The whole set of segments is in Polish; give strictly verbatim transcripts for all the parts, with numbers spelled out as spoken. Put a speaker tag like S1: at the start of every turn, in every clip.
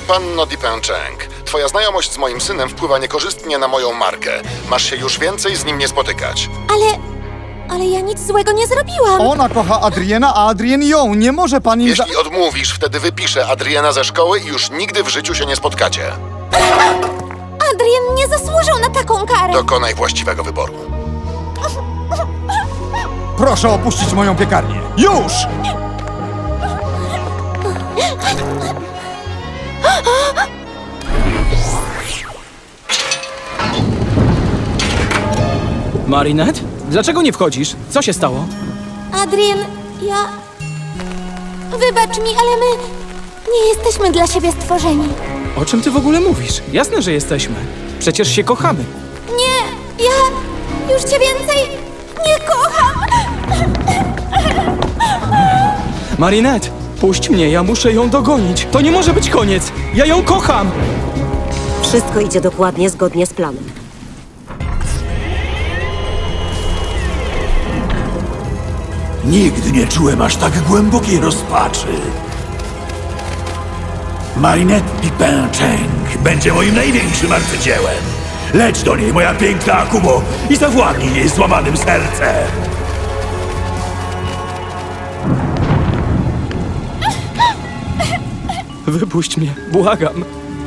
S1: Panno Dipęczęk, twoja znajomość z moim synem wpływa niekorzystnie na moją markę. Masz się już więcej z nim nie spotykać.
S2: Ale... ale ja nic złego nie zrobiłam.
S3: Ona kocha Adriena, a Adrien ją. Nie może pan im za...
S1: Jeśli odmówisz, wtedy wypiszę Adriena ze szkoły i już nigdy w życiu się nie spotkacie.
S2: Adrien nie zasłużył na taką karę.
S1: Dokonaj właściwego wyboru.
S3: Proszę opuścić moją piekarnię. Już!
S4: Marinette? Dlaczego nie wchodzisz? Co się stało?
S2: Adrien, ja... Wybacz mi, ale my... nie jesteśmy dla siebie stworzeni.
S4: O czym ty w ogóle mówisz? Jasne, że jesteśmy. Przecież się kochamy.
S2: Nie, ja już cię więcej nie kocham.
S4: Marinette, puść mnie, ja muszę ją dogonić. To nie może być koniec. Ja ją kocham!
S5: Wszystko idzie dokładnie zgodnie z planem.
S6: Nigdy nie czułem aż tak głębokiej rozpaczy. Marinette Dipęczęk będzie moim największym arcydziełem. Leć do niej, moja piękna Akumo, i zawładnij jej złamanym sercem.
S4: Wypuść mnie, błagam.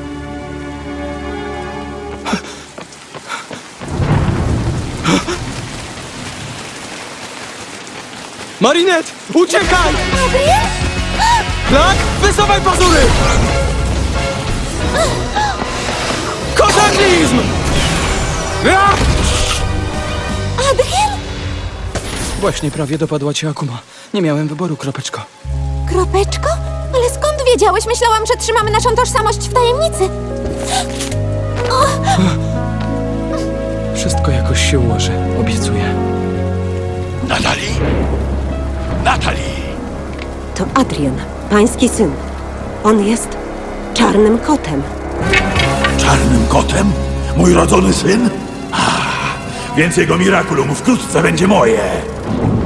S4: Marinette, uciekaj!
S2: Adrien?
S4: Klak, wysuwaj pazury! Kozaklizm! Ah!
S2: Adrien?
S4: Właśnie prawie dopadła cię Akuma. Nie miałem wyboru, kropeczko.
S2: Kropeczko? Ale skąd wiedziałeś? Myślałam, że trzymamy naszą tożsamość w tajemnicy.
S4: Wszystko jakoś się ułoży, obiecuję.
S6: Natalie? Natalie!
S5: To Adrien, pański syn. On jest czarnym kotem.
S6: Czarnym kotem? Mój rodzony syn? Ah, więc jego mirakulum wkrótce będzie moje.